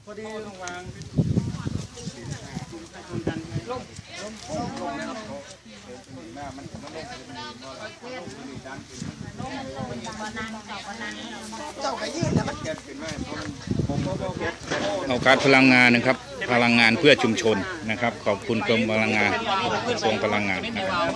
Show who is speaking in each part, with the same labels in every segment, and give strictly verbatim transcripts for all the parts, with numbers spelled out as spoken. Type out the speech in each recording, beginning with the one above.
Speaker 1: พอดีต้องวางลมลมลมลมนะครับหน้ามันมันลงเป็นลมดันเจ้าก็ยืดแล้วมันเกิดขึ้นมาผมก็บอก
Speaker 2: เอาการพลังงานนะครับพลังงานเพื่อชุมชนนะครับ ขอบคุณกรมพลังงานกระทรวงพลังงานนะครับ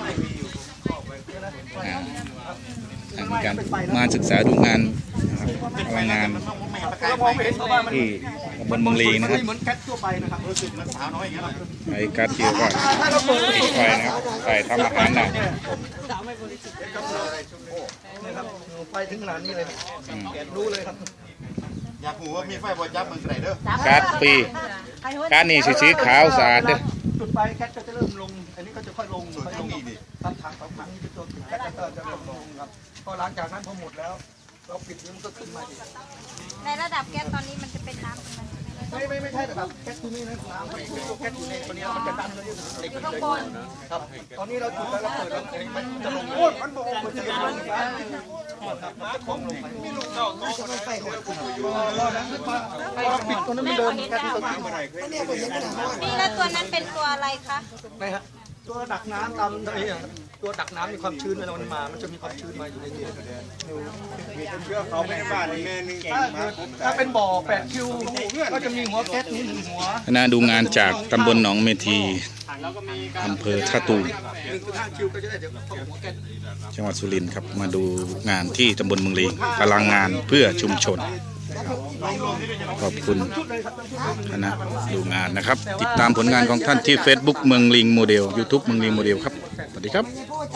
Speaker 2: มีการมาศึกษาดูงานพลังงานที่ตำบลเมืองลีนะครับ
Speaker 1: เหมือนแก๊สทั่วไปนะครับรู้สึกมันสาวน้อยอย่างเงี้ย
Speaker 2: ไอ้การเจียวก็ติดไฟนะครับใส่ทำอาหารนะ
Speaker 1: ไฟถึงขนาดนี้เลยแกรู้เลยครับ
Speaker 3: อยากหูว่ามีไฟบอจับมันไหนเด้อ
Speaker 2: การฟรีการนี่สีขาวสะอาดเด้อ
Speaker 1: จุดไฟแก๊สก็จะเริ่มลงอันนี้ก็จะค่อยลงค่อยลงอีกครับถังสองถังนี้จะตัวแก๊สก็จะลงลงครับพอหลังจากนั้นพอหมดแล้วเราปิดมันก็ขึ้นมาอีก
Speaker 4: ในระดับแก๊สตอนนี้มันจะเป็นน้ำตรงนั้น
Speaker 1: ไม่ไม่ไม่ใช่แต่แบบแก๊สตัวนี้นะน้ำตัวแก๊สอยู่ในตัวนี้มันจะดันเลยเหล็ก
Speaker 4: อยู่ข้างบน
Speaker 1: ครับตอนนี้เราจุดแล้วเราเปิดแล้วมันจะลงโอ้มันบอกมันจะลงไปครับมันจะคงลงไปไม่ลงเราต้องไฟหัวรอนั้นพอเราปิดตัวนั้นไม่เดินแก๊สตัวนี้มาไหนนี่
Speaker 4: นี่แล้วตัวนั้นเป็นตัวอะไรคะ
Speaker 1: ไม่ฮะตัวดักน้ำตามทะเลตัวดักน้ำมีความชื้นเวลามันมามันจะมีความชื้นมาอยู่ในนี้
Speaker 3: เชื่อเขาไม่ได้บ้านนี่แม่นึง
Speaker 1: ถ้าถ้าเป็นบ่อแปดคิวก็จะมีหัวแก๊สนี้หนึ่งหัว
Speaker 2: คณะดูงานจากตำบลหนองเมทีอำเภอท่าตูม
Speaker 1: หนึ่งจุดห้าคิวก็จะได้เดี๋ยวหัวแก๊ส
Speaker 2: จังหวัดสุรินทร์ครับมาดูงานที่ตำบลเมืองลีพลังงานเพื่อชุมชนขอบคุณคณะดูงานนะครับ ติดตามผลงานของท่านที่ Facebook เมืองลิงโมเดล YouTube เมืองลิงโมเดลครับสวัสดีครับ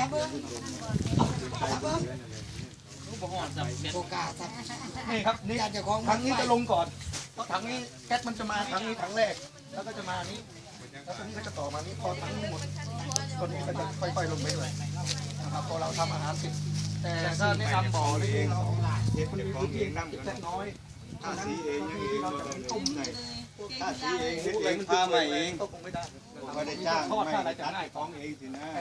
Speaker 1: นี่ครับนี่ถังนี้จะลงก่อนเพราะถังนี้แก๊สมันจะมาถังนี้ถังแรกแล้วก็จะมานี้แล้วตัวนี้ก็จะต่อมานี้พอถังนี้หมดตัวนี้ก็จะค่อยๆลงไปด้วยนะครับพอเราทำอาหารเสร็จแต่ถ้าแนะนำบ่อนี่เราเด็กคนมีพื้นที่เล็กน้อย
Speaker 3: ถ้าสีเองยังเอง
Speaker 1: เราจะเป็นตุ่มไหน
Speaker 3: ถ้าสีเองเองพามาเอง
Speaker 1: ก็คงไม่ได้
Speaker 3: ไม่ได้จ้าง
Speaker 1: ทอด
Speaker 3: ไม่
Speaker 1: ถ้าอะไร
Speaker 3: ได้
Speaker 1: จะ
Speaker 3: ตัด
Speaker 1: ง่าย
Speaker 3: ของเองสินะ